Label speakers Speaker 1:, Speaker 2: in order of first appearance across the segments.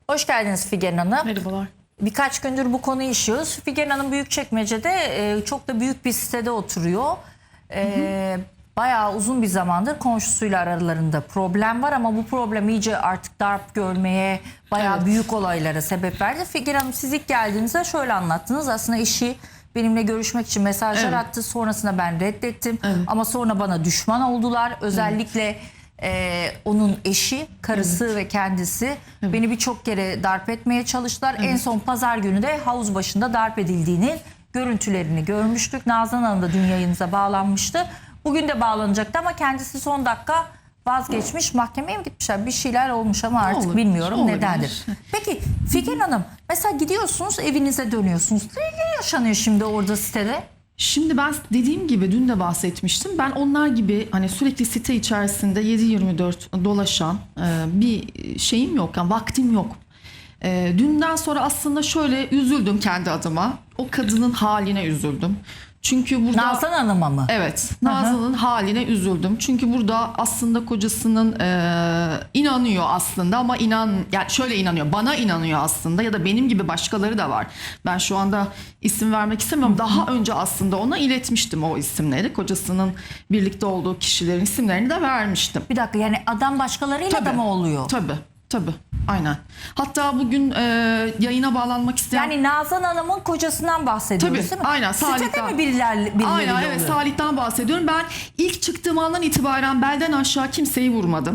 Speaker 1: Hoş geldiniz Figen Hanım.
Speaker 2: Merhabalar.
Speaker 1: Birkaç gündür bu konuyu işliyoruz. Figen Hanım Büyükçekmece'de çok da büyük bir sitede oturuyor. Bayağı uzun bir zamandır komşusuyla aralarında problem var ama bu problem iyice artık darp görmeye, bayağı büyük olaylara sebep verdi. Figen Hanım siz ilk geldiğinizde şöyle anlattınız. Aslında eşi benimle görüşmek için mesajlar attı. Sonrasında ben reddettim. Ama sonra bana düşman oldular. Özellikle onun eşi, karısı ve kendisi beni birçok kere darp etmeye çalıştılar. En son pazar günü de havuz başında darp edildiğini görüntülerini görmüştük. Nazan Hanım da dün yayınıza bağlanmıştı. Bugün de bağlanacaktı ama kendisi son dakika vazgeçmiş. Mahkemeye mi gitmişler? Bir şeyler olmuş ama artık
Speaker 2: Olur,
Speaker 1: bilmiyorum
Speaker 2: olabilir.
Speaker 1: nedendir. Peki Figen Hanım mesela gidiyorsunuz evinize dönüyorsunuz. Ne yaşanıyor şimdi orada sitede?
Speaker 2: Şimdi ben dediğim gibi dün de bahsetmiştim. Ben onlar gibi hani sürekli site içerisinde 7/24 dolaşan bir şeyim yok. Yani vaktim yok. Dünden sonra aslında şöyle üzüldüm kendi adıma. O kadının haline üzüldüm. Çünkü burada
Speaker 1: Nazan Hanım'a mı?
Speaker 2: evet, Nazan'ın haline üzüldüm. Çünkü burada aslında kocasının inanıyor aslında ama yani şöyle inanıyor. Bana inanıyor aslında ya da benim gibi başkaları da var. Ben şu anda isim vermek istemiyorum. Daha önce aslında ona iletmiştim o isimleri. Kocasının birlikte olduğu kişilerin isimlerini de vermiştim.
Speaker 1: Bir dakika yani adam başkalarıyla da mı oluyor?
Speaker 2: Tabii. Aynen. Hatta bugün yayına bağlanmak isteyen...
Speaker 1: Yani Nazan Hanım'ın kocasından bahsediyoruz
Speaker 2: Tabii,
Speaker 1: değil mi?
Speaker 2: aynen,
Speaker 1: Sitede
Speaker 2: Salih'ten.
Speaker 1: mi birileriyle
Speaker 2: Aynen, evet,
Speaker 1: oluyor?
Speaker 2: Salih'ten bahsediyorum. Ben ilk çıktığım andan itibaren belden aşağı kimseyi vurmadım.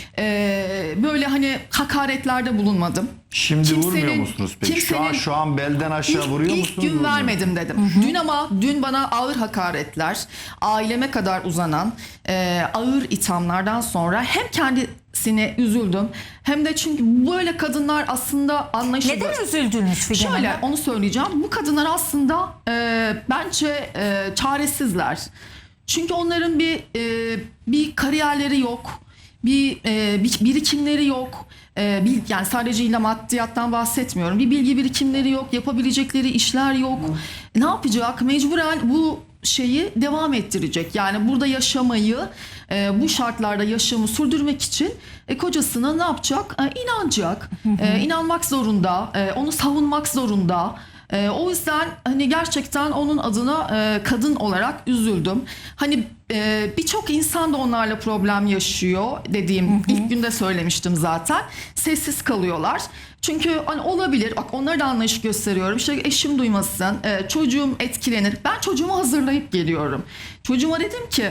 Speaker 2: Böyle hani hakaretlerde bulunmadım.
Speaker 3: Şimdi vurmuyor musunuz peki? Şu an belden aşağı vuruyor musunuz?
Speaker 2: İlk gün
Speaker 3: Vurmuyor.
Speaker 2: vermedim dedim. Dün bana ağır hakaretler, aileme kadar uzanan ağır ithamlardan sonra hem kendisine üzüldüm hem de çünkü böyle kadınlar aslında anlayışlı.
Speaker 1: Neden üzüldünüz Figen
Speaker 2: Şöyle
Speaker 1: Hanım?
Speaker 2: onu söyleyeceğim. Bu kadınlar aslında bence çaresizler. Çünkü onların bir kariyerleri yok. Bir birikimleri yok. Yani sadece illa maddiyattan bahsetmiyorum. Bir bilgi birikimleri yok. Yapabilecekleri işler yok. Ne yapacak? Mecburen bu şeyi devam ettirecek. Yani burada yaşamayı, bu şartlarda yaşamı sürdürmek için kocasına ne yapacak? İnanacak. İnanmak zorunda. Onu savunmak zorunda. O yüzden hani gerçekten onun adına kadın olarak üzüldüm. Hani birçok insan da onlarla problem yaşıyor dediğim ilk günde söylemiştim zaten. Sessiz kalıyorlar. Çünkü hani olabilir. Bak onlara da anlayış gösteriyorum. İşte eşim duymasın, çocuğum etkilenir. Ben çocuğumu hazırlayıp geliyorum. Çocuğuma dedim ki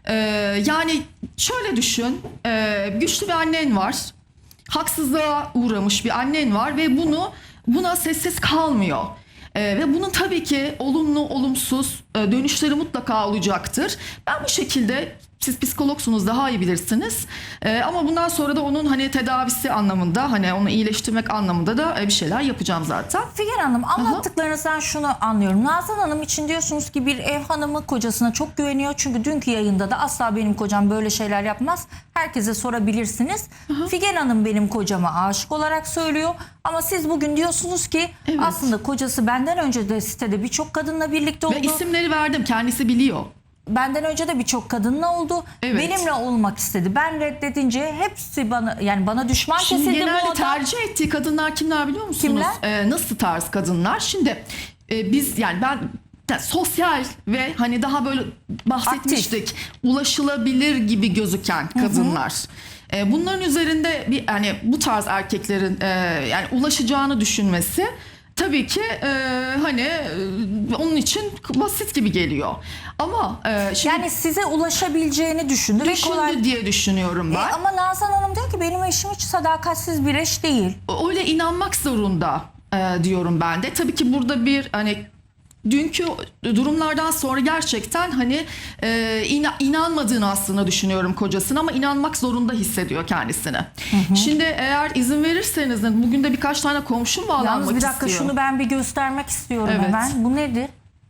Speaker 2: yani şöyle düşün. Güçlü bir annen var. Haksızlığa uğramış bir annen var ve buna sessiz kalmıyor. Ve bunun tabii ki olumlu olumsuz dönüşleri mutlaka olacaktır. Ben bu şekilde, siz psikologsunuz daha iyi bilirsiniz. Ama bundan sonra da onun hani tedavisi anlamında, hani onu iyileştirmek anlamında da bir şeyler yapacağım zaten.
Speaker 1: Figen Hanım anlattıklarınızdan şunu anlıyorum. Nazan Hanım için diyorsunuz ki bir ev hanımı kocasına çok güveniyor. Çünkü dünkü yayında da asla benim kocam böyle şeyler yapmaz. Herkese sorabilirsiniz. Figen Hanım benim kocama aşık olarak söylüyor. Ama siz bugün diyorsunuz ki aslında kocası benden önce de sitede birçok kadınla birlikte oldu.
Speaker 2: Ve isimleri verdim, kendisi biliyor.
Speaker 1: Benden önce de birçok kadınla oldu.
Speaker 2: Evet.
Speaker 1: Benimle olmak istedi. Ben reddedince hepsi bana düşman
Speaker 2: Şimdi
Speaker 1: kesildi bu
Speaker 2: genelde
Speaker 1: adam.
Speaker 2: tercih ettiği kadınlar kimler biliyor musunuz?
Speaker 1: Kimler?
Speaker 2: Nasıl tarz kadınlar? Şimdi biz yani ben sosyal ve hani daha böyle bahsetmiştik. Ulaşılabilir gibi gözüken kadınlar. Bunların üzerinde bir hani bu tarz erkeklerin yani ulaşacağını düşünmesi tabii ki hani onun için basit gibi geliyor. Ama şimdi
Speaker 1: Yani size ulaşabileceğini düşündü. ve
Speaker 2: düşündü diye düşünüyorum ben.
Speaker 1: Ama Nazan Hanım diyor ki benim eşim hiç sadakatsiz bir eş değil.
Speaker 2: Öyle inanmak zorunda diyorum ben de. Tabii ki burada bir hani dünkü durumlardan sonra gerçekten hani inanmadığını aslında düşünüyorum kocasına ama inanmak zorunda hissediyor kendisini. Şimdi eğer izin verirseniz bugün de birkaç tane komşum bağlanmak
Speaker 1: Yalnız bir dakika
Speaker 2: istiyor.
Speaker 1: şunu ben bir göstermek istiyorum
Speaker 2: Evet.
Speaker 1: hemen. Bu nedir?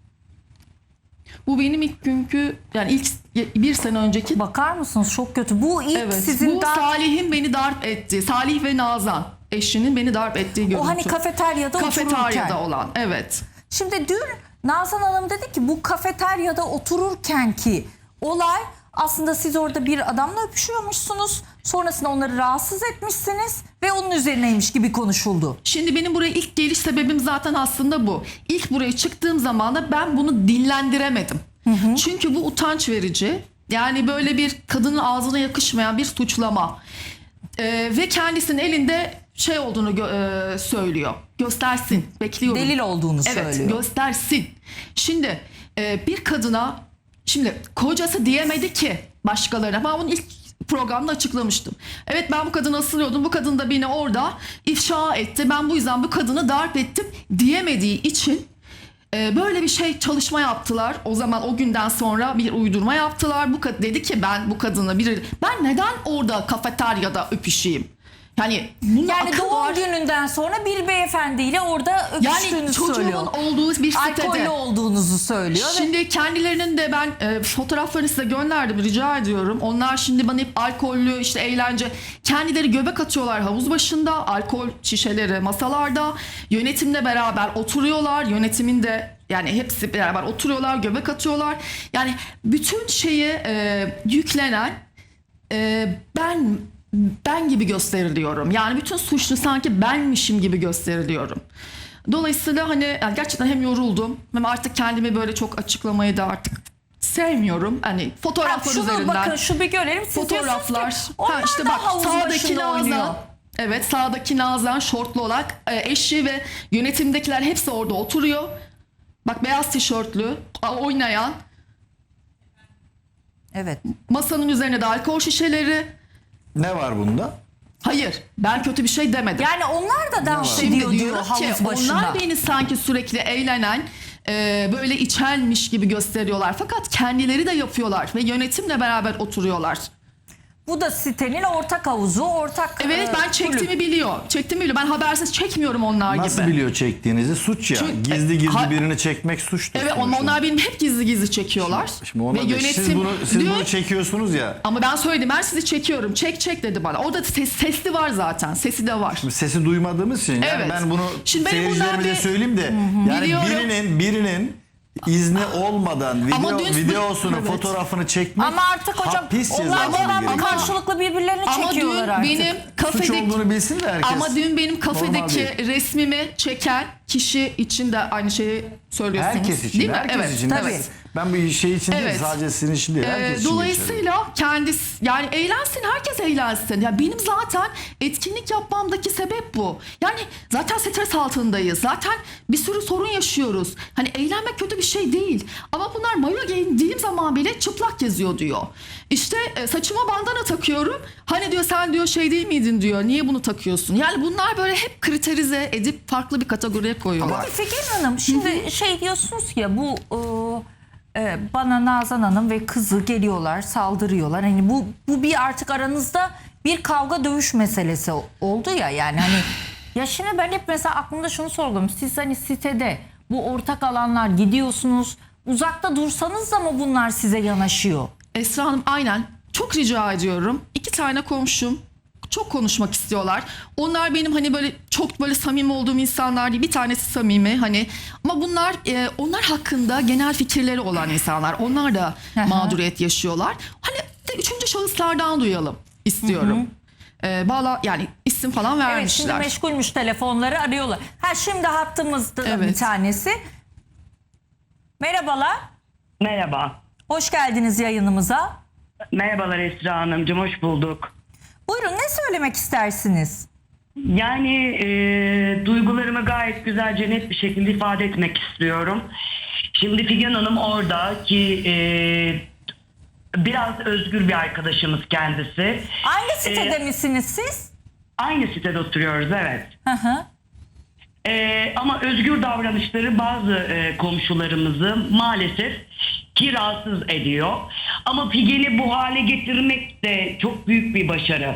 Speaker 2: Bu benim ilk günkü yani ilk bir sene önceki.
Speaker 1: Bakar mısınız? Çok kötü. Bu ilk
Speaker 2: Evet,
Speaker 1: sizin
Speaker 2: bu Salih'in beni darp ettiği, Salih ve Nazan eşinin beni darp ettiği görüntü.
Speaker 1: o hani kafeteryada otururken.
Speaker 2: Kafeteryada olan, evet.
Speaker 1: Şimdi dün Nazan Hanım dedi ki bu kafeteryada otururken ki olay Aslında siz orada bir adamla öpüşüyormuşsunuz. Sonrasında onları rahatsız etmişsiniz ve onun üzerineymiş gibi konuşuldu.
Speaker 2: Şimdi benim buraya ilk geliş sebebim zaten aslında bu. İlk buraya çıktığım zaman da ben bunu dillendiremedim. Çünkü bu utanç verici. Yani böyle bir kadının ağzına yakışmayan bir suçlama. Ve kendisinin elinde şey olduğunu söylüyor. Göstersin. Bekliyorum.
Speaker 1: Delil olduğunu
Speaker 2: Evet,
Speaker 1: söylüyor.
Speaker 2: göstersin. Şimdi bir kadına, şimdi kocası diyemedi ki başkalarına. Ben bunu ilk programda açıklamıştım. Evet, ben bu kadını ısırıyordum. Bu kadın da beni orada ifşa etti. Ben bu yüzden bu kadını darp ettim diyemediği için böyle bir şey, çalışma yaptılar. O zaman o günden sonra bir uydurma yaptılar. Dedi ki ben bu kadını ben neden orada kafeteryada öpüşeyim? Yani bunun
Speaker 1: Yani
Speaker 2: akıl
Speaker 1: doğum
Speaker 2: var.
Speaker 1: gününden sonra bir beyefendiyle orada öpüştüğünü
Speaker 2: Yani
Speaker 1: söylüyor.
Speaker 2: çocuğumun olduğu bir sitede.
Speaker 1: Alkollü olduğunuzu söylüyor.
Speaker 2: Şimdi kendilerinin de ben fotoğraflarını size gönderdim, rica ediyorum. Onlar şimdi bana hep alkollü, işte eğlence, kendileri göbek atıyorlar havuz başında, alkol şişeleri masalarda, yönetimle beraber oturuyorlar, yönetimin de yani hepsi beraber oturuyorlar, göbek atıyorlar. Yani bütün şeye yüklenen ben gibi gösteriliyorum. Yani bütün suçlu sanki benmişim gibi gösteriliyorum. Dolayısıyla hani yani gerçekten hem yoruldum hem artık kendimi böyle çok açıklamayı da artık sevmiyorum. Hani fotoğraflar
Speaker 1: Şunu
Speaker 2: üzerinden.
Speaker 1: bakın, şu bir görelim. Siz
Speaker 2: Fotoğraflar.
Speaker 1: diyorsunuz ki onlar
Speaker 2: işte
Speaker 1: da
Speaker 2: bak,
Speaker 1: havuz
Speaker 2: sağdaki
Speaker 1: başında oynuyor.
Speaker 2: Nazan. Evet, sağdaki Nazan şortlu olarak eşi ve yönetimdekiler hepsi orada oturuyor. Bak, beyaz tişörtlü oynayan,
Speaker 1: Evet.
Speaker 2: masanın üzerine de alkol şişeleri.
Speaker 3: Ne var bunda?
Speaker 2: Hayır, ben kötü bir şey demedim.
Speaker 1: Yani onlar da dans
Speaker 2: Şimdi
Speaker 1: ediyor diyor
Speaker 2: diyorum ki
Speaker 1: havuz başında.
Speaker 2: onlar beni sanki sürekli eğlenen, böyle içenmiş gibi gösteriyorlar. Fakat kendileri de yapıyorlar ve yönetimle beraber oturuyorlar.
Speaker 1: Bu da sitenin ortak havuzu, ortak
Speaker 2: Evet, ben çektiğimi
Speaker 1: kulüp.
Speaker 2: biliyor. Çektiğimi biliyor. Ben habersiz çekmiyorum onlar
Speaker 3: Nasıl
Speaker 2: gibi.
Speaker 3: biliyor çektiğinizi? Suç ya.
Speaker 2: Çünkü-
Speaker 3: Gizli gizli
Speaker 2: Ha-
Speaker 3: birini çekmek suçtur.
Speaker 2: Evet, ama
Speaker 3: sonuçta.
Speaker 2: onlar benim hep gizli gizli çekiyorlar.
Speaker 3: Şimdi ona
Speaker 2: ve
Speaker 3: da-
Speaker 2: yönetim
Speaker 3: siz
Speaker 2: diyor,
Speaker 3: bunu çekiyorsunuz ya.
Speaker 2: ama ben söyledim, ben sizi çekiyorum. Çek dedi bana. Orada sesli var zaten. Sesi de var.
Speaker 3: Sesi duymadığımız için yani
Speaker 2: Evet.
Speaker 3: ben bunu
Speaker 2: Şimdi benim
Speaker 3: seyircilerimize
Speaker 2: bundan bir-
Speaker 3: söyleyeyim de yani
Speaker 2: Biliyorum.
Speaker 3: birinin izni olmadan
Speaker 2: Ama dün-
Speaker 3: videosunu,
Speaker 2: Evet.
Speaker 3: fotoğrafını çekmek
Speaker 1: Ama artık hocam
Speaker 3: hapis
Speaker 1: onlar
Speaker 3: cezası
Speaker 1: devamlı
Speaker 3: gerekiyor.
Speaker 1: karşılıklı birbirlerini
Speaker 2: Ama
Speaker 1: çekiyorlar
Speaker 2: dün
Speaker 1: artık.
Speaker 2: benim
Speaker 3: Suç
Speaker 2: kafedeki
Speaker 3: olduğunu bilsin de herkes.
Speaker 2: Ama dün benim
Speaker 3: Normal
Speaker 2: kafedeki
Speaker 3: değil.
Speaker 2: resmimi çeken kişi için de aynı şeyi söylüyorsunuz.
Speaker 3: Herkes için,
Speaker 2: değil mi?
Speaker 3: herkes
Speaker 2: Evet,
Speaker 3: için.
Speaker 2: tabii.
Speaker 3: Evet. Ben bu şey için değil,
Speaker 2: Evet.
Speaker 3: sadece sizin için değil, herkes için geçerli.
Speaker 2: Dolayısıyla kendisi, yani eğlensin, herkes eğlensin. Ya benim zaten etkinlik yapmamdaki sebep bu. Yani zaten stres altındayız. Zaten bir sürü sorun yaşıyoruz. Hani eğlenmek kötü bir şey değil. Ama bunlar mayo giyindiğim zaman bile çıplak geziyor diyor. İşte saçıma bandana takıyorum. Hani diyor sen diyor şey değil miydin diyor. Niye bunu takıyorsun? Yani bunlar böyle hep kriterize edip farklı bir kategoriye koyuyorlar.
Speaker 1: Peki Figen Hanım, şimdi şey diyorsunuz ya, bu bana Nazan Hanım ve kızı geliyorlar, saldırıyorlar. Hani bu bir artık aranızda bir kavga dövüş meselesi oldu ya, yani hani ya şimdi ben hep mesela aklımda şunu sorguladım. Siz hani sitede bu ortak alanlar gidiyorsunuz, uzakta dursanız da mı bunlar size yanaşıyor?
Speaker 2: Esra Hanım, aynen. Çok rica ediyorum. 2 tane komşum çok konuşmak istiyorlar. Onlar benim hani böyle çok böyle samimi olduğum insanlar değil. Bir tanesi samimi hani, ama bunlar onlar hakkında genel fikirleri olan insanlar. Onlar da mağduriyet yaşıyorlar. Hani de 3. şahıslardan duyalım istiyorum. Yani isim falan
Speaker 1: Evet,
Speaker 2: vermişler.
Speaker 1: şimdi meşgulmüş, telefonları arıyorlar. Şimdi hattımızda
Speaker 2: Evet.
Speaker 1: bir tanesi. Merhabalar.
Speaker 4: Merhaba.
Speaker 1: Hoş geldiniz yayınımıza.
Speaker 4: Merhabalar Esra Hanımcığım, hoş bulduk.
Speaker 1: Buyurun, ne söylemek istersiniz?
Speaker 4: Yani duygularımı gayet güzelce, net bir şekilde ifade etmek istiyorum. Şimdi Figen Hanım orada ki biraz özgür bir arkadaşımız kendisi.
Speaker 1: Aynı sitede misiniz siz?
Speaker 4: Aynı sitede oturuyoruz, evet.
Speaker 1: Hı hı.
Speaker 4: Ama özgür davranışları bazı komşularımızı maalesef ki rahatsız ediyor. Ama Figen'i bu hale getirmek de çok büyük bir başarı.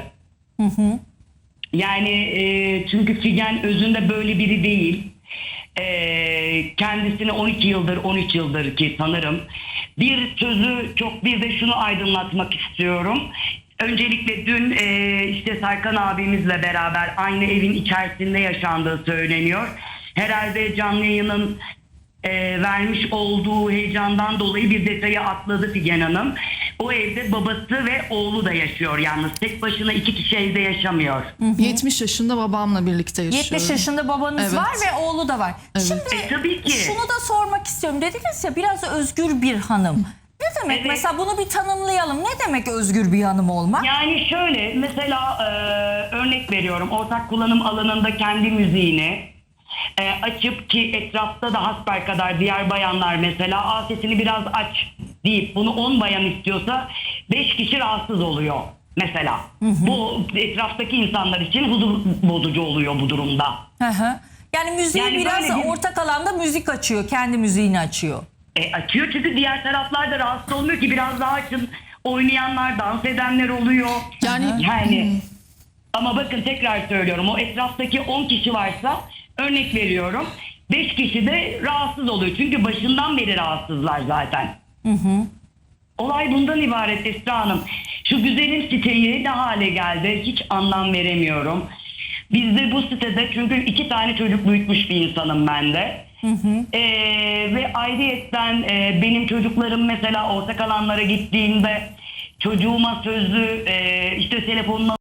Speaker 4: Yani çünkü Figen özünde böyle biri değil. Kendisini 12 yıldır, 13 yıldır ki tanırım. Bir sözü çok, bir de şunu aydınlatmak istiyorum. Öncelikle dün işte Serkan abimizle beraber aynı evin içerisinde yaşandığı söyleniyor. Herhalde canlı yayının vermiş olduğu heyecandan dolayı bir detayı atladı Figen Hanım. O evde babası ve oğlu da yaşıyor yalnız. Tek başına 2 kişi evde yaşamıyor.
Speaker 2: 70 yaşında babamla birlikte yaşıyorum.
Speaker 1: 70 yaşında babanız
Speaker 2: Evet.
Speaker 1: var ve oğlu da var. Şimdi
Speaker 4: Tabii ki.
Speaker 1: şunu da sormak istiyorum. Dediniz ya biraz özgür bir hanım. Ne demek
Speaker 4: Evet.
Speaker 1: mesela, bunu bir tanımlayalım. Ne demek özgür bir hanım olmak?
Speaker 4: Yani şöyle mesela örnek veriyorum, ortak kullanım alanında kendi müziğini açıp, ki etrafta da hasbelkader diğer bayanlar mesela sesini biraz aç deyip bunu 10 bayan istiyorsa 5 kişi rahatsız oluyor mesela. Bu etraftaki insanlar için huzur bozucu oluyor bu durumda.
Speaker 1: Hı hı. Yani müziği
Speaker 4: Yani
Speaker 1: biraz
Speaker 4: böyle bir-
Speaker 1: ortak alanda müzik açıyor. Kendi müziğini açıyor.
Speaker 4: Açıyor çünkü diğer taraflar da rahatsız olmuyor ki, biraz daha açın. Oynayanlar, dans edenler oluyor. Yani ama bakın tekrar söylüyorum, o etraftaki 10 kişi varsa örnek veriyorum 5 kişi de rahatsız oluyor. Çünkü başından beri rahatsızlar zaten. Olay bundan ibaret Esra Hanım. Şu güzelim siteyi ne hale geldi hiç anlam veremiyorum. Bizde bu sitede, çünkü 2 tane çocuk büyütmüş bir insanım ben de. Ve ayrıyetten benim çocuklarım mesela ortak alanlara gittiğinde çocuğuma sözlü işte telefonuna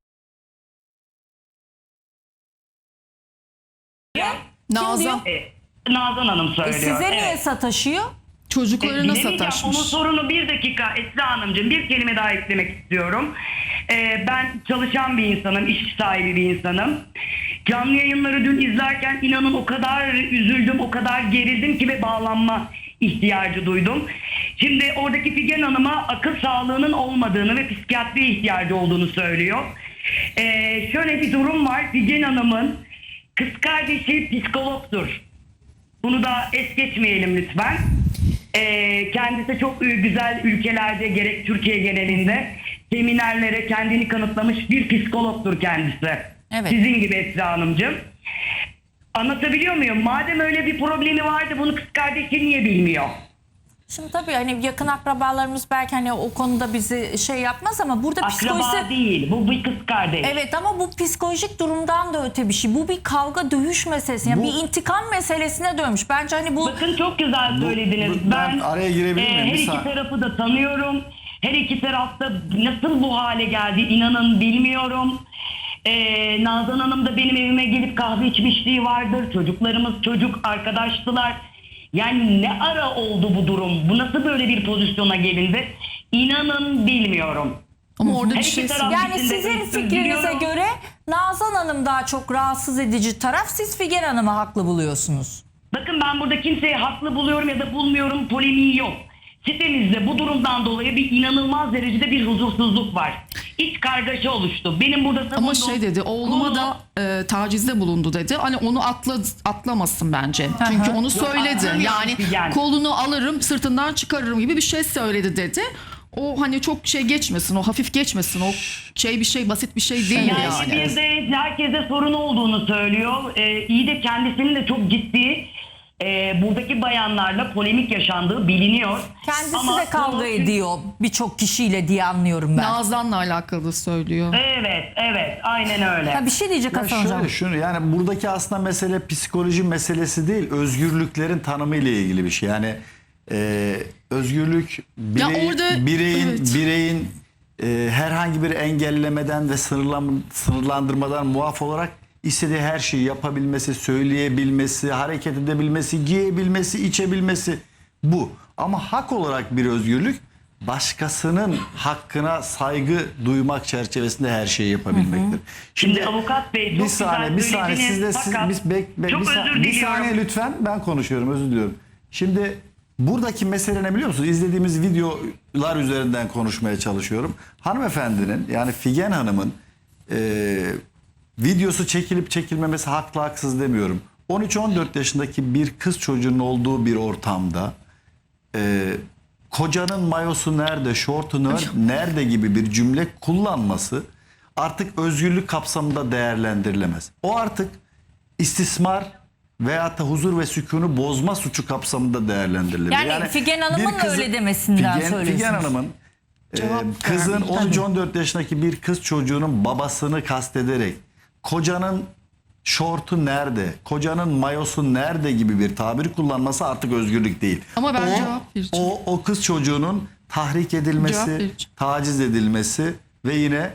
Speaker 2: Nazan
Speaker 4: Nazan Hanım söylüyor.
Speaker 1: Size niye
Speaker 4: Evet.
Speaker 1: sataşıyor?
Speaker 2: çocuklarına
Speaker 4: Bilemeyeceğim.
Speaker 2: sataşmış.
Speaker 4: Onun sorunu, bir dakika Esra Hanımcığım, bir kelime daha eklemek istiyorum. Ben çalışan bir insanım, iş sahibi bir insanım. Canlı yayınları dün izlerken inanın o kadar üzüldüm, o kadar gerildim ki ve bağlanma ihtiyacı duydum. Şimdi oradaki Figen Hanım'a akıl sağlığının olmadığını ve psikiyatri ihtiyacı olduğunu söylüyor. Şöyle bir durum var, Figen Hanım'ın kız kardeşi psikologdur. Bunu da es geçmeyelim lütfen. Kendisi çok güzel ülkelerde, gerek Türkiye genelinde seminerlere kendini kanıtlamış bir psikologtur kendisi.
Speaker 1: Evet.
Speaker 4: Sizin gibi Esra Hanımcığım. Anlatabiliyor muyum? Madem öyle bir problemi vardı, bunu kız kardeşi niye bilmiyor?
Speaker 1: Şimdi tabii hani yakın akrabalarımız belki hani o konuda bizi şey yapmaz ama burada
Speaker 4: Akraba
Speaker 1: psikolojisi...
Speaker 4: değil, bu bir kız kardeş.
Speaker 1: Evet ama bu psikolojik durumdan da öte bir şey. Bu bir kavga dövüş meselesi. Yani
Speaker 3: Bu-
Speaker 1: bir intikam meselesine dönmüş. Bence hani bu...
Speaker 4: Bakın çok güzel söylediniz.
Speaker 3: ben araya girebilir miyim?
Speaker 4: Her
Speaker 3: Bir
Speaker 4: iki
Speaker 3: saniye.
Speaker 4: tarafı da tanıyorum. Her iki tarafta nasıl bu hale geldi inanın bilmiyorum. Nazan Hanım da benim evime gelip kahve içmişliği vardır. Çocuklarımız çocuk arkadaştılar. Yani ne ara oldu bu durum? Bu nasıl böyle bir pozisyona gelindi? İnanın bilmiyorum.
Speaker 2: Ama orada
Speaker 4: Her
Speaker 2: bir
Speaker 4: iki
Speaker 2: şey
Speaker 4: taraf-
Speaker 1: Yani
Speaker 4: İkisinde
Speaker 1: sizin
Speaker 4: de
Speaker 1: fikrinize
Speaker 4: üzülüyorum.
Speaker 1: göre Nazan Hanım daha çok rahatsız edici taraf. Siz Figen Hanım'ı haklı buluyorsunuz.
Speaker 4: Bakın ben burada kimseyi haklı buluyorum ya da bulmuyorum, polemiği yok. Sitemizde bu durumdan dolayı bir inanılmaz derecede bir huzursuzluk var. İç kargaşa oluştu. Benim burada
Speaker 2: Ama
Speaker 4: savunduğum
Speaker 2: şey dedi, oğluma
Speaker 4: konu-
Speaker 2: da tacizde bulundu dedi. Hani onu atlamasın bence. Çünkü onu söyledi.
Speaker 4: atlamıyor
Speaker 2: Yani
Speaker 4: Figen.
Speaker 2: kolunu alırım, sırtından çıkarırım gibi bir şey söyledi dedi. O hani çok şey geçmesin, o hafif geçmesin. O şey bir şey, basit bir şey değil
Speaker 4: Yani
Speaker 2: yani.
Speaker 4: bir de herkese sorun olduğunu söylüyor. İyi de kendisinin de çok ciddi buradaki bayanlarla polemik yaşandığı biliniyor.
Speaker 1: Kendisi
Speaker 4: Ama
Speaker 1: de kavga
Speaker 4: bu-
Speaker 1: ediyor birçok kişiyle diye anlıyorum ben.
Speaker 2: Nazan'la alakalı söylüyor.
Speaker 4: Evet, aynen öyle.
Speaker 1: Ha, bir şey diyecek
Speaker 3: Ya
Speaker 1: Hasan Hocam.
Speaker 3: şunu yani buradaki aslında mesele psikoloji meselesi değil, özgürlüklerin tanımı ile ilgili bir şey. Yani özgürlük
Speaker 2: orada- evet.
Speaker 3: bireyin herhangi bir engellemeden ve sınırlandırmadan muaf olarak istediği her şeyi yapabilmesi, söyleyebilmesi, hareket edebilmesi, giyebilmesi, içebilmesi bu. Ama hak olarak bir özgürlük başkasının hakkına saygı duymak çerçevesinde her şeyi yapabilmektir.
Speaker 4: Şimdi avukat bey çok
Speaker 3: bir saniye
Speaker 4: güzel
Speaker 3: siz de
Speaker 4: söylediniz, fakat çok özür
Speaker 3: bir saniye
Speaker 4: diliyorum.
Speaker 3: lütfen, ben konuşuyorum, özür diliyorum. Şimdi buradaki mesele ne biliyor musunuz? İzlediğimiz videolar üzerinden konuşmaya çalışıyorum. Hanımefendinin, yani Figen Hanım'ın videosu çekilip çekilmemesi haklı haksız demiyorum. 13-14 yaşındaki bir kız çocuğunun olduğu bir ortamda kocanın mayosu nerede, şortu nerede gibi bir cümle kullanması artık özgürlük kapsamında değerlendirilemez. O artık istismar veyahut da huzur ve sükûnu bozma suçu kapsamında değerlendirilir.
Speaker 1: Yani Figen Hanım'ın
Speaker 3: bir
Speaker 1: öyle demesinden söylüyorsunuz.
Speaker 3: Figen Hanım'ın kızın 13-14 yaşındaki bir kız çocuğunun babasını kastederek kocanın şortu nerede, kocanın mayosu nerede gibi bir tabir kullanması artık özgürlük değil.
Speaker 2: Ama ben cevap vereceğim.
Speaker 3: O kız çocuğunun tahrik
Speaker 2: Cevap
Speaker 3: edilmesi,
Speaker 2: vereceğim.
Speaker 3: taciz edilmesi ve yine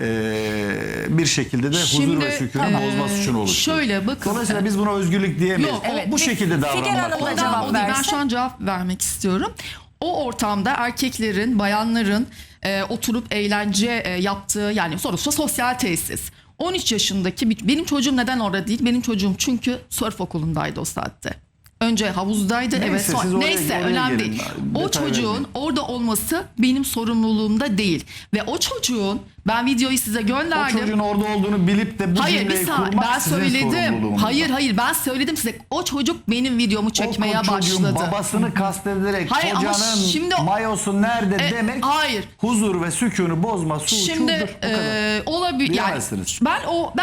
Speaker 3: bir şekilde de huzur ve sükunun bozma suçunu oluşturuyor.
Speaker 2: Şöyle bakın.
Speaker 3: Dolayısıyla biz buna özgürlük diyemeyiz.
Speaker 2: Yok,
Speaker 1: evet.
Speaker 3: Bu şekilde
Speaker 1: Figen
Speaker 3: davranmak
Speaker 1: Hanım da
Speaker 3: lazım.
Speaker 1: cevap
Speaker 2: O değil. Ben
Speaker 1: versin.
Speaker 2: şu an cevap vermek istiyorum. O ortamda erkeklerin, bayanların oturup eğlence yaptığı, yani sonuçta sosyal tesis. 13 yaşındaki benim çocuğum neden orada değil? Benim çocuğum çünkü surf okulundaydı o saatte. Önce havuzdaydı.
Speaker 3: Neyse,
Speaker 2: evet.
Speaker 3: siz oraya-
Speaker 2: Neyse
Speaker 3: oraya
Speaker 2: önemli
Speaker 3: gelin.
Speaker 2: değil. O
Speaker 3: Detay
Speaker 2: çocuğun
Speaker 3: vermeyin.
Speaker 2: orada olması benim sorumluluğumda değil. Ve o çocuğun, ben videoyu size
Speaker 3: O
Speaker 2: gönderdim.
Speaker 3: çocuğun orada olduğunu bilip de bu
Speaker 2: Hayır bir
Speaker 3: cümleyi
Speaker 2: saniye,
Speaker 3: kurmak
Speaker 2: ben
Speaker 3: sizin
Speaker 2: söyledim.
Speaker 3: sorumluluğunuz.
Speaker 2: Hayır ben söyledim size. O çocuk benim videomu çekmeye
Speaker 3: O çocuğun
Speaker 2: başladı.
Speaker 3: babasını kastederek
Speaker 2: Hayır, ama
Speaker 3: kocanın
Speaker 2: şimdi-
Speaker 3: mayosu nerede demek
Speaker 2: hayır.
Speaker 3: huzur ve sükûnu bozma suçudur.
Speaker 2: Şimdi
Speaker 3: Bu kadar.
Speaker 2: olabilir yani
Speaker 3: Bilemezsiniz.
Speaker 2: ben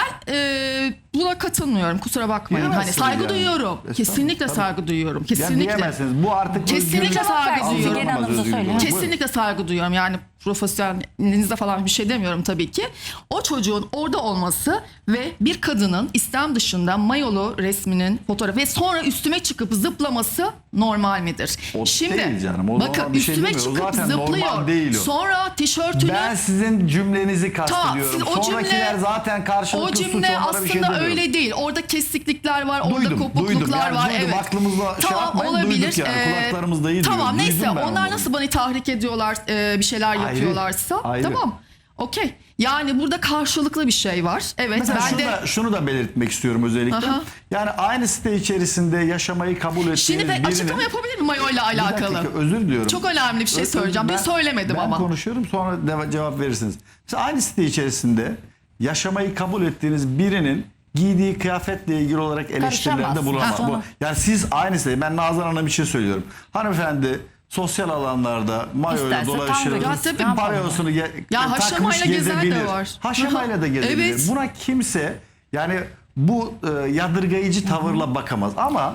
Speaker 2: buna katılmıyorum, kusura bakmayın. Hani
Speaker 3: Diyemezsiniz
Speaker 2: saygı
Speaker 3: yani.
Speaker 2: duyuyorum.
Speaker 3: Estağfurullah,
Speaker 2: Kesinlikle
Speaker 3: tabii.
Speaker 2: saygı duyuyorum.
Speaker 3: Yani
Speaker 2: Kesinlikle.
Speaker 3: diyemezsiniz. Bu artık
Speaker 2: Kesinlikle
Speaker 3: özgürlük-
Speaker 2: saygı
Speaker 3: Algılanamaz
Speaker 2: duyuyorum.
Speaker 1: Figen Hanım da
Speaker 3: özgürlük
Speaker 1: söyle.
Speaker 3: olarak.
Speaker 2: Kesinlikle saygı duyuyorum. Yani profesyonelinizde falan bir şey demiyorum tabii ki. O çocuğun orada olması ve bir kadının İslam dışında mayolu resminin fotoğrafı ve sonra üstüme çıkıp zıplaması normal midir?
Speaker 3: O değil canım, o
Speaker 2: bakın
Speaker 3: normal bir şey
Speaker 2: üstüme
Speaker 3: demiyor. O
Speaker 2: çıkıp
Speaker 3: zaten normal
Speaker 2: zıplıyor.
Speaker 3: değil o.
Speaker 2: Sonra tişörtünü
Speaker 3: Ben sizin cümlenizi
Speaker 2: Tamam,
Speaker 3: kastediyorum.
Speaker 2: siz o
Speaker 3: Sonrakiler zaten karşılıklı
Speaker 2: o
Speaker 3: suç,
Speaker 2: cümle
Speaker 3: onlara bir
Speaker 2: aslında
Speaker 3: şey demiyorum.
Speaker 2: öyle değil. Orada kesiklikler var, orada
Speaker 3: Duydum,
Speaker 2: kopukluklar
Speaker 3: yani
Speaker 2: var.
Speaker 3: duydum.
Speaker 2: Evet.
Speaker 3: Aklımızla şey yapmayın, duyduk yani. Kulaklarımızda iyi
Speaker 2: Tamam
Speaker 3: duyuyor.
Speaker 2: neyse
Speaker 3: Duydum ben
Speaker 2: onlar
Speaker 3: onları.
Speaker 2: nasıl beni tahrik ediyorlar, bir şeyler
Speaker 3: Ayrı,
Speaker 2: yapıyorlarsa
Speaker 3: ayrı.
Speaker 2: tamam. Okey. Yani burada karşılıklı bir şey var. Evet
Speaker 3: Mesela
Speaker 2: ben
Speaker 3: şunu da belirtmek istiyorum özellikle.
Speaker 2: Aha.
Speaker 3: Yani aynı site içerisinde yaşamayı kabul ettiğiniz
Speaker 2: Şimdi ben açıklama yapabilir miyim mayo ile alakalı?
Speaker 3: Bir dakika, özür diliyorum.
Speaker 2: Çok önemli bir şey söyleyeceğim. Dün söylemedim
Speaker 3: ben
Speaker 2: ama.
Speaker 3: konuşuyorum, sonra cevap verirsiniz. Mesela aynı site içerisinde yaşamayı kabul ettiğiniz birinin giydiği kıyafetle ilgili olarak eleştirilerde
Speaker 1: Karışamaz.
Speaker 3: bulunamaz.
Speaker 1: Ha.
Speaker 3: Yani siz aynı site, ben Nazan Hanım için söylüyorum. Hanımefendi sosyal alanlarda mayoyla
Speaker 1: İsterse
Speaker 3: dolaşır.
Speaker 1: tam
Speaker 2: Ya tabii.
Speaker 3: Parayosunu
Speaker 2: Ya haşamayla
Speaker 3: takmış
Speaker 2: gezen de
Speaker 3: gezebilir.
Speaker 2: var.
Speaker 3: Haşamayla da gezebilir.
Speaker 2: Evet.
Speaker 3: Buna kimse yani bu yadırgayıcı tavırla bakamaz. Ama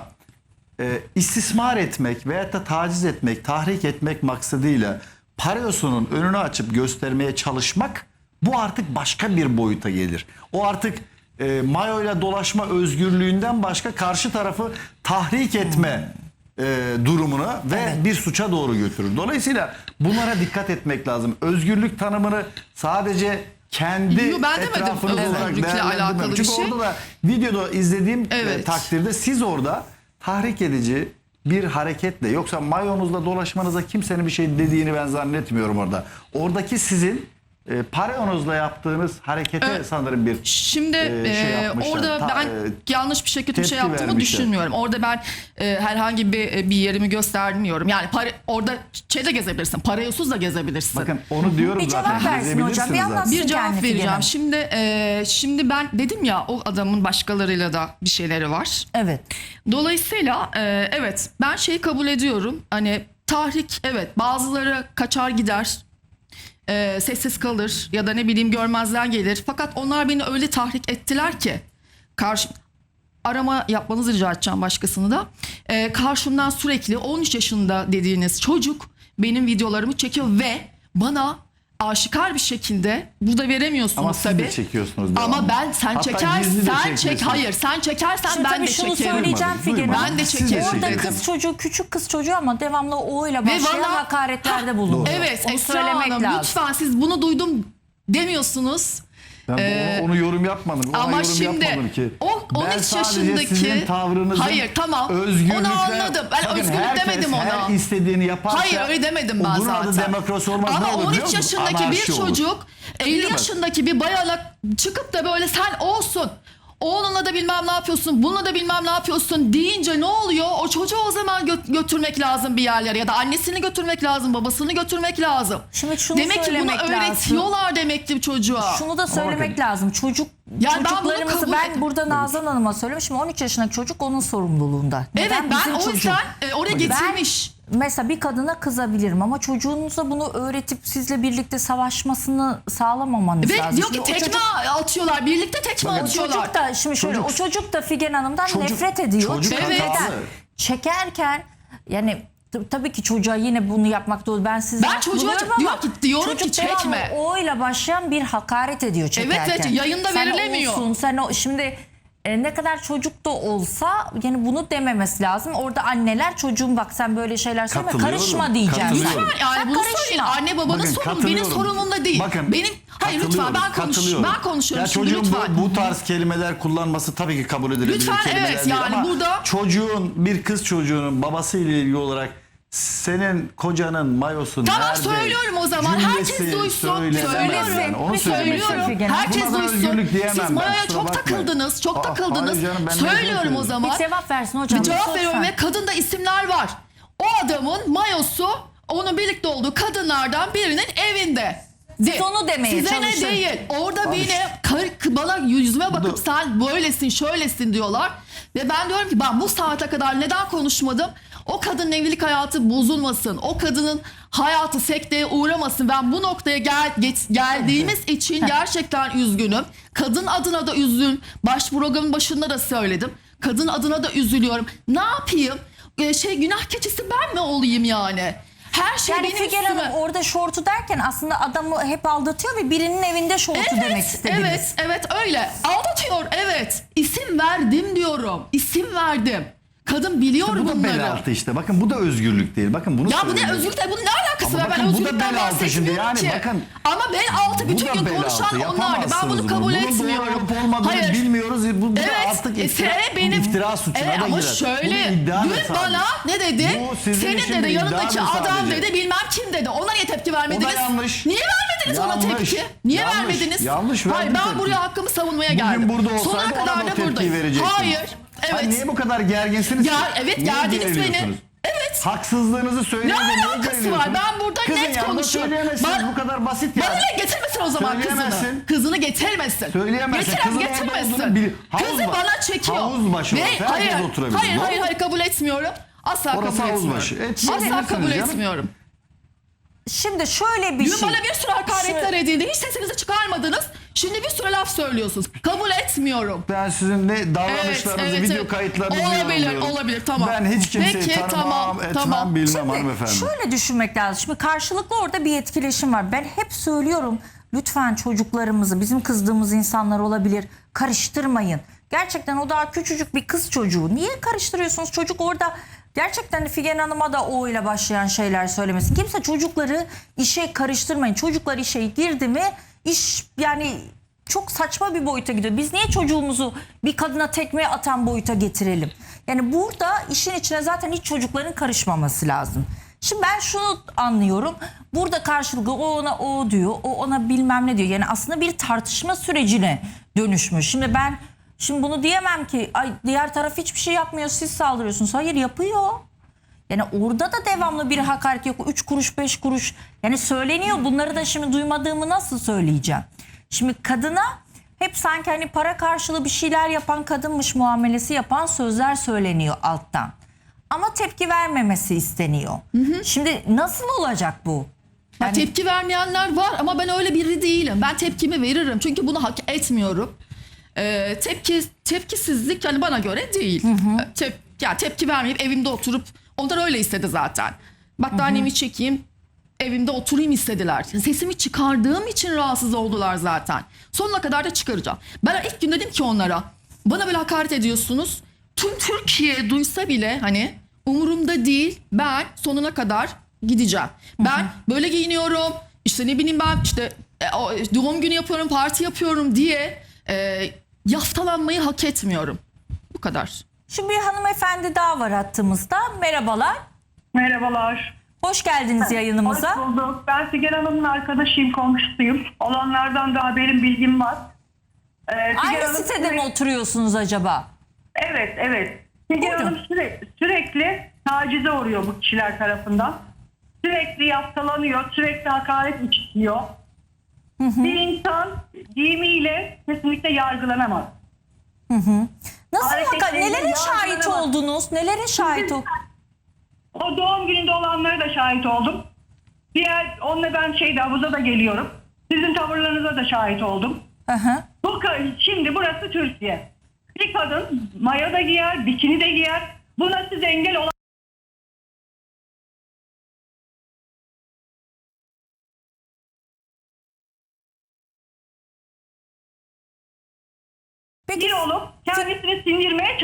Speaker 3: istismar etmek veyahut da taciz etmek, tahrik etmek maksadıyla pareosunun önünü açıp göstermeye çalışmak, bu artık başka bir boyuta gelir. O artık mayoyla dolaşma özgürlüğünden başka karşı tarafı tahrik etme durumuna ve bir suça doğru götürür. Dolayısıyla bunlara dikkat etmek lazım. Özgürlük tanımını sadece kendi
Speaker 2: Yo, ben demedim
Speaker 3: etrafınız olarak
Speaker 2: özgürlükle
Speaker 3: değerlendirmem.
Speaker 2: alakalı bir
Speaker 3: Çünkü
Speaker 2: şey.
Speaker 3: orada da videoda izlediğim
Speaker 2: Evet.
Speaker 3: takdirde siz orada tahrik edici bir hareketle, yoksa mayonuzla dolaşmanıza kimsenin bir şey dediğini ben zannetmiyorum orada. Oradaki sizin parayonuzla yaptığınız harekete
Speaker 2: Evet.
Speaker 3: sanırım bir
Speaker 2: Şimdi
Speaker 3: şey yapmışlar.
Speaker 2: orada ben yanlış bir şekilde bir şey
Speaker 3: tepki
Speaker 2: yaptığımı
Speaker 3: vermişler.
Speaker 2: düşünmüyorum. Orada ben herhangi bir yerimi göstermiyorum. Yani orada şeyde gezebilirsin. Parayosuz da gezebilirsin.
Speaker 3: bakın onu diyorum
Speaker 1: Bir
Speaker 3: zaten.
Speaker 1: cevap versin hocam, bir
Speaker 3: gezebilirsiniz zaten.
Speaker 1: anlatsın.
Speaker 2: bir cevap
Speaker 1: kendi Figen
Speaker 2: vereceğim.
Speaker 1: Hanım.
Speaker 2: Şimdi ben dedim ya, o adamın başkalarıyla da bir şeyleri var.
Speaker 1: Evet.
Speaker 2: Dolayısıyla evet, ben şeyi kabul ediyorum. Hani tahrik, evet, bazıları kaçar gider. Sessiz kalır ya da ne bileyim görmezden gelir. Fakat onlar beni öyle tahrik ettiler ki arama yapmanızı rica edeceğim başkasını da. Karşımdan sürekli 13 yaşında dediğiniz çocuk benim videolarımı çekiyor ve bana aşikar bir şekilde, burada veremiyorsunuz
Speaker 3: Ama siz
Speaker 2: tabii.
Speaker 3: de çekiyorsunuz devamlı.
Speaker 2: Ama sen
Speaker 3: Hatta
Speaker 2: çekersen,
Speaker 3: gizli de
Speaker 2: sen çek,
Speaker 3: çekiyorsunuz.
Speaker 2: hayır sen çekersen
Speaker 1: Şimdi
Speaker 2: ben
Speaker 1: tabii
Speaker 2: de
Speaker 1: şunu
Speaker 2: çekerim.
Speaker 1: söyleyeceğim
Speaker 3: Duymadım,
Speaker 1: Figen Hanım.
Speaker 2: Ben de
Speaker 3: Siz
Speaker 2: çekerim.
Speaker 1: Orada
Speaker 3: çekin.
Speaker 1: kız çocuğu, küçük kız çocuğu ama devamlı o ile başlayan
Speaker 2: bana-
Speaker 1: hakaretlerde bulunuyor.
Speaker 2: Evet
Speaker 1: Onu
Speaker 2: Esra
Speaker 1: söylemek
Speaker 2: Hanım,
Speaker 1: lazım.
Speaker 2: lütfen siz bunu duydum demiyorsunuz.
Speaker 3: Ben onu yorum yapmadım. Ona
Speaker 2: Ama
Speaker 3: yorum
Speaker 2: şimdi
Speaker 3: yapmadım ki.
Speaker 2: o
Speaker 3: Ben
Speaker 2: 13
Speaker 3: sadece
Speaker 2: yaşındaki
Speaker 3: sizin tavrınızın
Speaker 2: hayır tamam
Speaker 3: özgürlükle,
Speaker 2: onu anladım. Ben
Speaker 3: bakın
Speaker 2: özgürlük
Speaker 3: herkes
Speaker 2: demedim ona.
Speaker 3: her istediğini yaparsa,
Speaker 2: Hayır öyle demedim ben
Speaker 3: bunun
Speaker 2: zaten.
Speaker 3: adı demokrasi olmaz.
Speaker 2: Ama
Speaker 3: Ne olur biliyor
Speaker 2: 13
Speaker 3: musun?
Speaker 2: yaşındaki
Speaker 3: Anarşi
Speaker 2: bir
Speaker 3: olur.
Speaker 2: çocuk 50
Speaker 3: Bilemez.
Speaker 2: yaşındaki bir bayana çıkıp da böyle sen olsun, oğlunla da bilmem ne yapıyorsun, bununla da bilmem ne yapıyorsun deyince ne oluyor? O çocuğu o zaman götürmek lazım bir yerlere, ya da annesini götürmek lazım, babasını götürmek lazım.
Speaker 1: Şimdi şunu
Speaker 2: Demek ki bunu
Speaker 1: söylemek lazım.
Speaker 2: öğretiyorlar demektir çocuğa.
Speaker 1: Şunu da söylemek
Speaker 3: bakın.
Speaker 1: lazım.
Speaker 2: Yani ben bunu
Speaker 1: Çocuklarımızı
Speaker 2: kabul
Speaker 1: ben burada Nazan Hanım'a söylemişim. 13 yaşındaki çocuk onun sorumluluğunda.
Speaker 2: Evet
Speaker 1: Neden?
Speaker 2: ben
Speaker 1: Bizim
Speaker 2: o
Speaker 1: çocuk.
Speaker 2: yüzden oraya
Speaker 1: Ben
Speaker 2: getirmiş.
Speaker 1: mesela bir kadına kızabilirim ama çocuğunuza bunu öğretip sizle birlikte savaşmasını sağlamamanız
Speaker 2: Ve
Speaker 1: lazım.
Speaker 2: diyor ki
Speaker 1: Şimdi o
Speaker 2: tekme
Speaker 1: çocuk-
Speaker 2: atıyorlar. Birlikte tekme
Speaker 1: O
Speaker 2: atıyorlar.
Speaker 1: çocuk da şimdi şöyle,
Speaker 3: Çocuk-
Speaker 1: o çocuk da Figen Hanım'dan
Speaker 3: Çocuk-
Speaker 1: nefret ediyor.
Speaker 3: çocuk
Speaker 1: Çünkü
Speaker 2: Evet.
Speaker 1: neden?
Speaker 3: hatalı.
Speaker 1: Çekerken yani tabii ki çocuğa yine bunu yapmak doğru. Ben size
Speaker 2: Ben çocuğa diyorum ki çekme.
Speaker 1: O ile başlayan bir hakaret ediyor çekerken.
Speaker 2: Evet, yayında
Speaker 1: Sen
Speaker 2: verilemiyor.
Speaker 1: olsun, sen o şimdi ne kadar çocuk da olsa yani bunu dememesi lazım. Orada anneler çocuğum bak sen böyle şeyler söyleme
Speaker 3: Katılıyorum,
Speaker 1: karışma diyeceğim.
Speaker 3: katılıyorum.
Speaker 2: Lütfen yani
Speaker 1: Sen
Speaker 2: bunu
Speaker 1: karışma.
Speaker 2: söyleyin. Anne babanın
Speaker 3: Bakın,
Speaker 2: sorunu benim
Speaker 3: katılıyorum.
Speaker 2: sorunumda değil.
Speaker 3: Bakın,
Speaker 2: Hayır lütfen
Speaker 3: katılıyorum.
Speaker 2: ben konuşuyorum
Speaker 3: Ya
Speaker 2: şimdi
Speaker 3: çocuğun
Speaker 2: lütfen.
Speaker 3: bu tarz kelimeler kullanması tabii ki kabul edilebilir
Speaker 2: Lütfen,
Speaker 3: kelimeler
Speaker 2: evet,
Speaker 3: değil
Speaker 2: yani
Speaker 3: ama
Speaker 2: burada-
Speaker 3: çocuğun bir kız çocuğunun babasıyla ilgili olarak senin kocanın mayosu
Speaker 2: Tamam,
Speaker 3: nerede?
Speaker 2: söylüyorum o zaman.
Speaker 3: Cümlesi
Speaker 2: Herkes duysun.
Speaker 3: söylenemez
Speaker 2: Söylüyorum.
Speaker 3: yani. Onu
Speaker 1: Bir
Speaker 3: söylemek
Speaker 1: söylüyorum.
Speaker 3: istedim.
Speaker 2: Herkes
Speaker 3: Buna da
Speaker 2: duysun.
Speaker 3: özgürlük diyemem
Speaker 2: Siz
Speaker 3: ben,
Speaker 2: Maya'ya
Speaker 3: kusura
Speaker 2: çok
Speaker 3: bakmayın.
Speaker 2: takıldınız. Çok
Speaker 3: Aa,
Speaker 2: takıldınız.
Speaker 3: hayır canım, ben ne
Speaker 2: Söylüyorum o
Speaker 3: söyleyeyim?
Speaker 2: zaman.
Speaker 1: Bir cevap versin hocam.
Speaker 2: Bir cevap
Speaker 1: lütfen.
Speaker 2: veriyorum ve kadında isimler var. O adamın mayosu onun birlikte olduğu kadınlardan birinin evinde.
Speaker 1: Siz onu demeye
Speaker 2: Size
Speaker 1: çalışın.
Speaker 2: ne değil. Orada
Speaker 3: Al işte.
Speaker 2: bana yüzüme bakıp
Speaker 3: da-
Speaker 2: sen böylesin şöylesin diyorlar. Ve ben diyorum ki ben bu saate kadar neden konuşmadım? O kadının evlilik hayatı bozulmasın. O kadının hayatı sekteye uğramasın. Ben bu noktaya geldiğimiz için gerçekten üzgünüm. Kadın adına da üzgün. Programın başında da söyledim. Kadın adına da üzülüyorum. Ne yapayım? Günah keçisi ben mi olayım yani? Her şey
Speaker 1: Yani
Speaker 2: benim
Speaker 1: Figen
Speaker 2: üstüme.
Speaker 1: Hanım orada şortu derken aslında adamı hep aldatıyor ve birinin evinde şortu demek istediniz.
Speaker 2: Evet öyle. Aldatıyor evet. İsim verdim diyorum. İsim verdim. Kadın biliyor
Speaker 3: Bu da
Speaker 2: bunları.
Speaker 3: bel altı işte. Bakın bu da özgürlük değil. Bakın bunu
Speaker 2: Ya bu ne
Speaker 3: söyleyeyim.
Speaker 2: özgürlükle bunun ne alakası
Speaker 3: Ama
Speaker 2: var? Ben
Speaker 3: bakın bu da
Speaker 2: özgürlükten
Speaker 3: bel altı şimdi.
Speaker 2: bahsetmiyorum
Speaker 3: Yani
Speaker 2: ki.
Speaker 3: bakın,
Speaker 2: Ama bel altı
Speaker 3: Bu
Speaker 2: bütün
Speaker 3: da
Speaker 2: gün
Speaker 3: bel
Speaker 2: konuşan
Speaker 3: altı.
Speaker 2: onlardı. Ben
Speaker 3: Yapamazsınız
Speaker 2: bunu
Speaker 3: bunu.
Speaker 2: kabul
Speaker 3: Bunun
Speaker 2: etmiyorum.
Speaker 3: doğru olup olmadığını bilmiyoruz. Bu da artık iftira suçuna da
Speaker 2: ama
Speaker 3: girer.
Speaker 2: şöyle
Speaker 3: Bu iddia
Speaker 2: dün
Speaker 3: meselesi.
Speaker 2: bana ne dedi?
Speaker 3: Bu sizin
Speaker 2: Senin
Speaker 3: için
Speaker 2: dedi
Speaker 3: bir iddia
Speaker 2: yanındaki
Speaker 3: mı
Speaker 2: adam
Speaker 3: sadece?
Speaker 2: dedi bilmem kim dedi. Ona niye tepki vermediniz?
Speaker 3: yanlış.
Speaker 2: Niye vermediniz ona
Speaker 3: Yanlış.
Speaker 2: tepki? Niye
Speaker 3: Yanlış.
Speaker 2: vermediniz?
Speaker 3: Yanlış,
Speaker 2: Hayır
Speaker 3: verdim
Speaker 2: ben
Speaker 3: tepki.
Speaker 2: buraya hakkımı savunmaya
Speaker 3: Bugün
Speaker 2: geldim.
Speaker 3: burada olsaydı
Speaker 2: Sonuna
Speaker 3: ona da
Speaker 2: kadar
Speaker 3: o
Speaker 2: da
Speaker 3: tepkiyi
Speaker 2: buradayım.
Speaker 3: verecektin.
Speaker 2: Hayır.
Speaker 3: Ay,
Speaker 2: Evet.
Speaker 3: niye bu kadar gerginsiniz?
Speaker 2: Ya
Speaker 3: ki?
Speaker 2: evet,
Speaker 3: Niye
Speaker 2: gerdiniz beni.
Speaker 3: geriliyorsunuz?
Speaker 2: Evet.
Speaker 3: Haksızlığınızı
Speaker 2: Ne
Speaker 3: söyleyince niye
Speaker 2: alakası var?
Speaker 3: geriliyorsunuz?
Speaker 2: Ben burada
Speaker 3: Kızın
Speaker 2: net
Speaker 3: yanında
Speaker 2: konuşuyorum.
Speaker 3: söyleyemezsiniz. Bu kadar basit
Speaker 2: Bana
Speaker 3: yani.
Speaker 2: ne getirmesin o zaman kızını.
Speaker 3: Söyleyemezsin.
Speaker 2: Kızını getirmesin.
Speaker 3: Söyleyemezsin.
Speaker 2: Getiren
Speaker 3: Kızın orada
Speaker 2: getirmesin.
Speaker 3: olduğunu bil-
Speaker 2: Kızı
Speaker 3: Havuz var.
Speaker 2: bana çekiyor.
Speaker 3: Havuz başı
Speaker 2: Ve
Speaker 3: orası. Herkes
Speaker 2: hayır,
Speaker 3: oturabilir.
Speaker 2: hayır,
Speaker 3: Doğru
Speaker 2: hayır,
Speaker 3: mu?
Speaker 2: hayır kabul etmiyorum. Asla
Speaker 3: Orası
Speaker 2: kabul
Speaker 3: havuz
Speaker 2: etmiyorum.
Speaker 3: başı.
Speaker 2: Asla
Speaker 3: Yiyebilirsiniz
Speaker 2: kabul
Speaker 3: canım.
Speaker 2: etmiyorum.
Speaker 1: Şimdi şöyle bir
Speaker 2: Dün
Speaker 1: şey.
Speaker 2: bana bir sürü hakaretler edildi. Hiç sesinizi çıkarmadınız. Şimdi bir sürü laf söylüyorsunuz. Kabul etmiyorum.
Speaker 3: Ben sizin ne davranışlarınızı, video kayıtlarınızı
Speaker 2: Olabilir,
Speaker 3: yorumluyorum.
Speaker 2: olabilir, tamam.
Speaker 3: Ben hiç kimseyi
Speaker 2: Peki,
Speaker 3: tanımam,
Speaker 2: tamam,
Speaker 3: etmem,
Speaker 2: tamam.
Speaker 3: bilmem hanımefendi.
Speaker 1: Şöyle düşünmek lazım. Şimdi karşılıklı orada bir etkileşim var. Ben hep söylüyorum lütfen çocuklarımızı, bizim kızdığımız insanlar olabilir, karıştırmayın. Gerçekten o daha küçücük bir kız çocuğu. Niye karıştırıyorsunuz? Çocuk orada gerçekten Figen Hanım'a da o ile başlayan şeyler söylemesin. Kimse çocukları işe karıştırmayın. Çocuklar işe girdi mi iş yani çok saçma bir boyuta gidiyor. Biz niye çocuğumuzu bir kadına tekme atan boyuta getirelim? Yani burada işin içine zaten hiç çocukların karışmaması lazım. Şimdi ben şunu anlıyorum. Burada karşılıklı o ona o diyor, o ona bilmem ne diyor. Yani aslında bir tartışma sürecine dönüşmüş. Şimdi bunu diyemem ki ay diğer taraf hiçbir şey yapmıyor siz saldırıyorsunuz. Hayır yapıyor. Yani orada da devamlı bir hakaret yok. 3 kuruş 5 kuruş yani söyleniyor. Bunları da şimdi duymadığımı nasıl söyleyeceğim? Şimdi kadına hep sanki hani para karşılığı bir şeyler yapan kadınmış muamelesi yapan sözler söyleniyor alttan. Ama tepki vermemesi isteniyor. Şimdi nasıl olacak bu?
Speaker 2: Ya tepki vermeyenler var ama ben öyle biri değilim. Ben tepkimi veririm çünkü bunu hak etmiyorum. Tepkisizlik yani bana göre değil. Tepki vermeyip evimde oturup onlar öyle istedi zaten. Battaniyemi çekeyim evimde oturayım istediler. Sesimi çıkardığım için rahatsız oldular zaten. Sonuna kadar da çıkaracağım. Ben ilk gün dedim ki onlara bana böyle hakaret ediyorsunuz. Tüm Türkiye duysa bile hani umurumda değil, ben sonuna kadar gideceğim. Ben böyle giyiniyorum işte ne bileyim ben işte doğum günü yapıyorum parti yapıyorum diye yaftalanmayı hak etmiyorum. Bu kadar.
Speaker 1: Şimdi bir hanımefendi daha var hattımızda. Merhabalar.
Speaker 5: Merhabalar.
Speaker 1: Hoş geldiniz yayınımıza.
Speaker 5: Hoş bulduk. Ben Figen Hanım'ın arkadaşıyım, komşusuyum. Olanlardan da haberim, bilgim var. Figen
Speaker 1: Aynı
Speaker 5: Hanım
Speaker 1: sitede mi oturuyorsunuz acaba?
Speaker 5: Evet. Figen
Speaker 1: Buyurun.
Speaker 5: Hanım sürekli tacize uğruyor bu kişiler tarafından. Sürekli yaftalanıyor, sürekli hakaret işitiyor. Bir insan giyimiyle kesinlikle yargılanamaz.
Speaker 1: Nasıl
Speaker 5: Hareketleriyle
Speaker 1: nelere şahit
Speaker 5: yargılanamaz.
Speaker 1: oldunuz? Nelere şahit oldunuz?
Speaker 5: O doğum gününde olanlara da şahit oldum. Onunla ben havuza da geliyorum. Sizin tavırlarınıza da şahit oldum. Şimdi burası Türkiye. Bir kadın maya da giyer, bikini de giyer. Buna siz engel olan...
Speaker 1: Peki
Speaker 5: Bir olup kendisi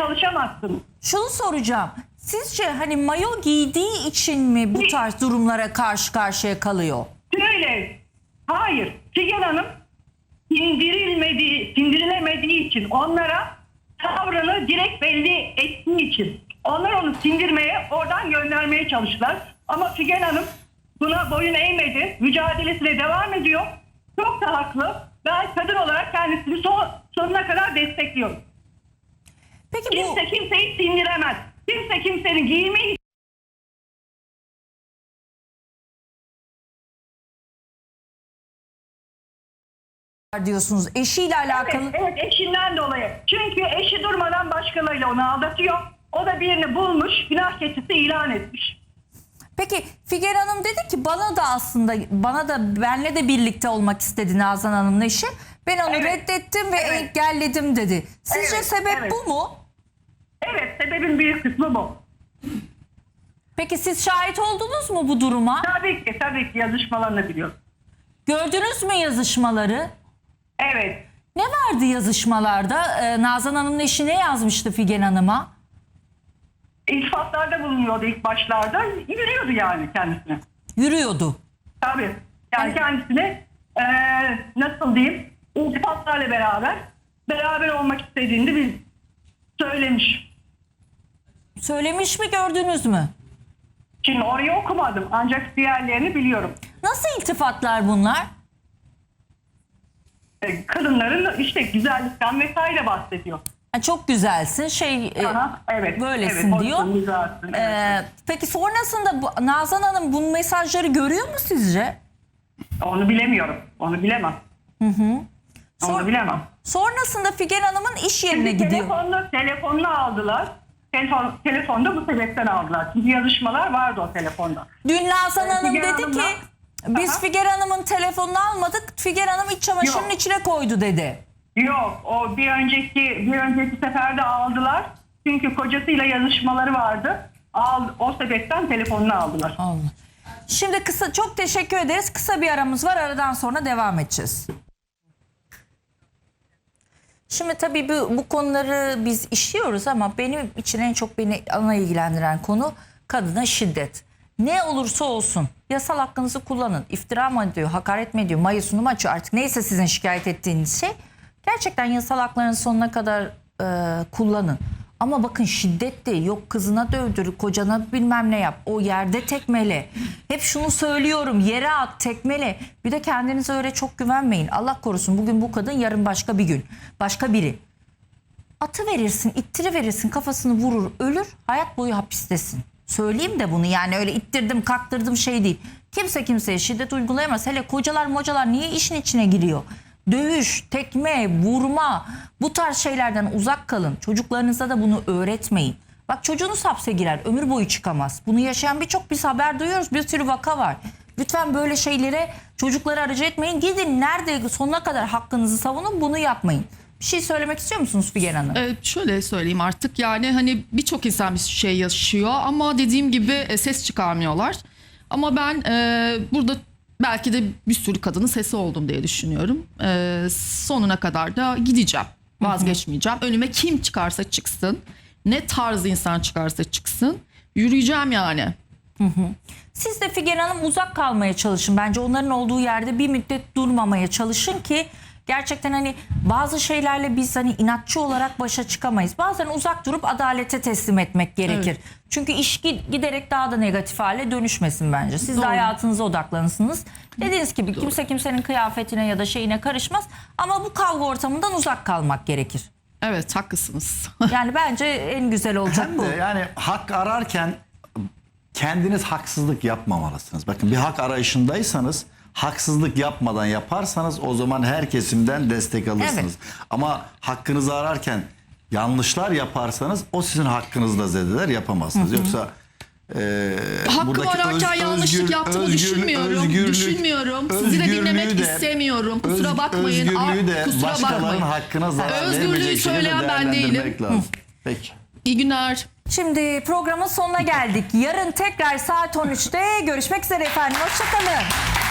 Speaker 5: çalışamazsınız.
Speaker 1: Şunu soracağım. Sizce hani mayo giydiği için mi bu tarz durumlara karşı karşıya kalıyor?
Speaker 5: Şöyle, hayır. Figen Hanım sindirilemediği için, onlara tavrını direkt belli ettiği için, onlar onu sindirmeye, oradan göndermeye çalıştılar. Ama Figen Hanım buna boyun eğmedi. Mücadelesine devam ediyor. Çok da haklı. Ben kadın olarak kendisini sonuna kadar destekliyorum.
Speaker 1: Peki bu
Speaker 5: Kimse kimseyi sindiremez. Kimse kimsenin giyimi
Speaker 1: diyorsunuz eşiyle alakalı.
Speaker 5: Evet, eşinden dolayı. Çünkü eşi durmadan başkalarıyla onu aldatıyor. O da birini bulmuş, günah keçisi ilan etmiş.
Speaker 1: Peki Figen Hanım dedi ki bana da benle de birlikte olmak istedi Nazan Hanım'ın eşi. Ben onu
Speaker 5: Evet.
Speaker 1: reddettim ve
Speaker 5: Evet.
Speaker 1: engelledim dedi. Sizce
Speaker 5: Evet,
Speaker 1: sebep
Speaker 5: evet.
Speaker 1: bu mu?
Speaker 5: Evet, sebebin büyük kısmı bu.
Speaker 1: Peki siz şahit oldunuz mu bu duruma?
Speaker 5: Tabii ki yazışmalarını biliyorum.
Speaker 1: Gördünüz mü yazışmaları?
Speaker 5: Evet.
Speaker 1: Ne vardı yazışmalarda? Nazan Hanım'ın eşi ne yazmıştı Figen Hanım'a?
Speaker 5: İltifatlarda bulunuyordu ilk başlarda. Yürüyordu yani kendisine.
Speaker 1: Yürüyordu.
Speaker 5: Tabii. Yani kendisine nasıl diyeyim, iltifatlarla beraber olmak istediğini bir söylemiş.
Speaker 1: Söylemiş mi, gördünüz mü?
Speaker 5: Şimdi orayı okumadım ancak diğerlerini biliyorum.
Speaker 1: Nasıl iltifatlar bunlar?
Speaker 5: Kadınların işte güzellikten vesaire bahsediyor.
Speaker 1: Ha, çok güzelsin
Speaker 5: Aha, evet.
Speaker 1: böylesin
Speaker 5: evet,
Speaker 1: diyor.
Speaker 5: hoşsun, güzelsin, evet.
Speaker 1: Peki sonrasında Nazan Hanım bu mesajları görüyor mu sizce?
Speaker 5: Onu bilemiyorum. Onu bilemem. Onu bilemem.
Speaker 1: Sonrasında Figen Hanım'ın iş yerine
Speaker 5: Şimdi
Speaker 1: gidiyor.
Speaker 5: telefonunu aldılar. Telefonda bu sebepten aldılar. Çünkü yazışmalar vardı o telefonda.
Speaker 1: Dün Nazan Hanım
Speaker 5: Figen
Speaker 1: dedi ki
Speaker 5: Hanım'la-
Speaker 1: biz
Speaker 5: Aha.
Speaker 1: Figen Hanım'ın telefonunu almadık. Figen Hanım iç çamaşırının
Speaker 5: Yok.
Speaker 1: içine koydu dedi.
Speaker 5: Yok, o bir önceki seferde aldılar. Çünkü kocasıyla yazışmaları vardı. O sebepten telefonunu aldılar.
Speaker 1: Allah. Şimdi çok teşekkür ederiz. Kısa bir aramız var. Aradan sonra devam edeceğiz. Şimdi tabii bu konuları biz işliyoruz ama benim için en çok beni ana ilgilendiren konu kadına şiddet. Ne olursa olsun yasal hakkınızı kullanın. İftira mı ediyor, hakaret mi ediyor, mayısını mı açıyor, artık neyse sizin şikayet ettiğiniz şey. Gerçekten yasal haklarınızı sonuna kadar kullanın. Ama bakın şiddet de yok, kızına dövdür, kocana bilmem ne yap, o yerde tekmele. Hep şunu söylüyorum, yere at, tekmele. Bir de kendinize öyle çok güvenmeyin. Allah korusun, bugün bu kadın, yarın başka bir gün, başka biri. Atı verirsin, ittiri verirsin, kafasını vurur, ölür, hayat boyu hapistesin. Söyleyeyim de bunu, yani öyle ittirdim kaktırdım şey değil. Kimse kimseye şiddet uygulayamaz. Hele kocalar niye işin içine giriyor? Dövüş, tekme, vurma, bu tarz şeylerden uzak kalın. Çocuklarınıza da bunu öğretmeyin. Bak çocuğunuz hapse girer, ömür boyu çıkamaz. Bunu yaşayan birçok biz haber duyuyoruz, bir sürü vaka var. Lütfen böyle şeylere çocukları aracı etmeyin. Gidin nerede sonuna kadar hakkınızı savunun, bunu yapmayın. Bir şey söylemek istiyor musunuz Figen Hanım?
Speaker 2: Şöyle söyleyeyim artık, yani hani birçok insan bir şey yaşıyor ama dediğim gibi ses çıkarmıyorlar. Ama ben burada belki de bir sürü kadının sesi oldum diye düşünüyorum. Sonuna kadar da gideceğim. Vazgeçmeyeceğim. Önüme kim çıkarsa çıksın, ne tarz insan çıkarsa çıksın, yürüyeceğim yani.
Speaker 1: Siz de Figen Hanım uzak kalmaya çalışın. Bence onların olduğu yerde bir müddet durmamaya çalışın ki gerçekten hani bazı şeylerle biz hani inatçı olarak başa çıkamayız. Bazen uzak durup adalete teslim etmek gerekir.
Speaker 2: Evet.
Speaker 1: Çünkü iş giderek daha da negatif hale dönüşmesin bence. Siz de
Speaker 2: Doğru.
Speaker 1: hayatınıza odaklanırsınız. Dediğiniz gibi kimse kimsenin kıyafetine ya da şeyine karışmaz. Ama bu kavga ortamından uzak kalmak gerekir.
Speaker 2: Evet, haklısınız.
Speaker 1: Yani bence en güzel olacak
Speaker 3: Hem
Speaker 1: bu.
Speaker 3: de yani hak ararken kendiniz haksızlık yapmamalısınız. Bakın bir hak arayışındaysanız haksızlık yapmadan yaparsanız o zaman her kesimden destek alırsınız.
Speaker 1: Evet.
Speaker 3: Ama hakkınızı ararken yanlışlar yaparsanız o sizin hakkınızda zedeler, yapamazsınız. Yoksa
Speaker 2: Hakkımı
Speaker 3: buradaki
Speaker 2: ararken yanlışlık yaptığımı düşünmüyorum. Sizi de dinlemek istemiyorum. Kusura bakmayın.
Speaker 3: Özgürlüğü de
Speaker 2: Kusura
Speaker 3: başkalarının
Speaker 2: bakmayın.
Speaker 3: hakkına zarar
Speaker 2: Özgürlüğü
Speaker 3: vermeyecek şekilde
Speaker 2: söyleyen ben
Speaker 3: değerlendirmek
Speaker 2: değilim.
Speaker 3: lazım. Peki.
Speaker 2: İyi günler.
Speaker 1: Şimdi programın sonuna geldik. Yarın tekrar saat 13'te görüşmek üzere efendim. Hoşçakalın.